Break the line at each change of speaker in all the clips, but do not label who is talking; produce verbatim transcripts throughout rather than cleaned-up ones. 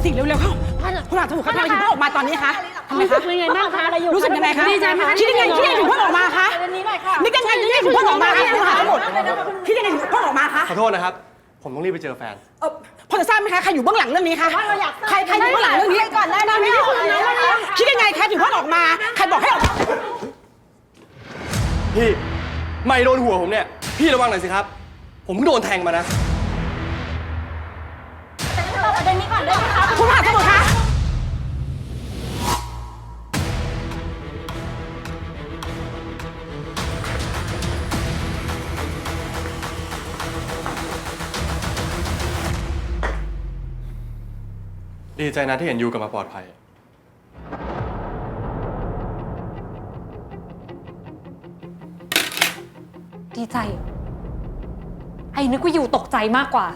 สิเร็วๆเข้าคุณอาจจะถูกเขาทำไมถึงเพิ่งออกมาตอนนี้คะทำไม
รู้สึ
คะ
กยังไงบ้างคะ
รู้สึกยังไงคะ
ดีใจไหมคะ
คิดยังไงคิดยังไงถึงเพิ่งออกมาคะนึกยังไงนึกยังไงถึงเพิ่งออกมาคะคุณหาทั้งหมดคิดยังไงถึงเพิ่งออกมาคะ
ขอโทษนะครับ ผมต้องรีบไปเจอแฟน
เออพอจะทราบไหมคะใครอยู่เบื้องหลังเรื่องนี้คะใครใครอยู่เบื้องหลังเรื่องนี้ก่อนหน้านี้คิดยังไงคะถึงเพิ่งออกมาใครบอกให้ออก
พี่ไม่โดนหัวผมเนี่ย พี่ระวังหน่อยสิครับ ผมเพิ่งโดนแทงมานะ
ประเด็นนี้ก่อนได้ไหมคะ
คุณหาทั้งหมดคะ
ดีใจนะที่เห็นยูกลับมาปลอดภัย
ดีใจ ไอ้นึกว่าอยู่ตกใจมากกว่า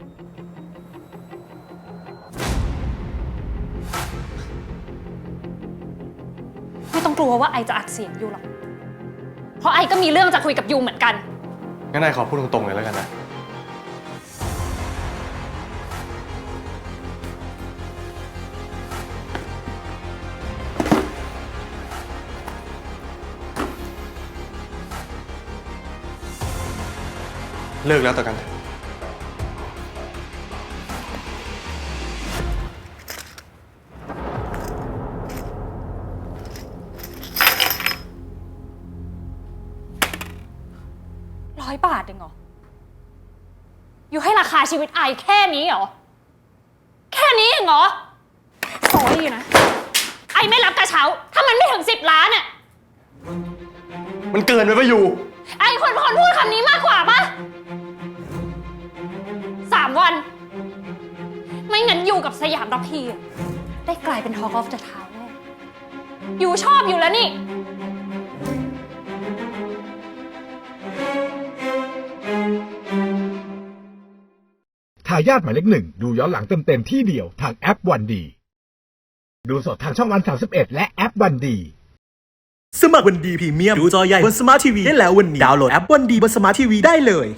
ไม่ต้องกลัวว่าไอจะอัดเสียงอยู่หรอกเพราะไอก็มีเรื่องจะคุยกับยูเหมือนกัน
งั้นนายขอพูดตรงๆเลยแล้วกันนะ เลิกแล้วต่อกันเถอะ
ร้อยบาทเองเหรอ อยู่ให้ราคาชีวิตไอแค่นี้เหรอ แค่นี้เองเหรอสอรี่นะ ไอไม่รับกระเช้า ถ้ามันไม่ถึงสิบล้านอะ
มันเกินไปป่ะยู
ไอคนคนพูดคำนี้มากกว่าปะสามวัน ไม่งั้นอยู่กับสยามระพีอะได้กลายเป็น Talk of the Town แน่อยู่ชอบอยู่แล้วนี่
ทายาทหมายเลขหนึ่งดูย้อนหลังเต็มๆที่เดียวทางแอปวันดี ดูสดทางช่องวันสามสิบเอ็ดและแอปวันดี
สมัครวันดีพรีเมียมดูจอใหญ่บนสมาร์ททีวีได้แล้ววันนี้ดาวน์โหลดแอปวันดีบนสมาร์ททีวีได้เลย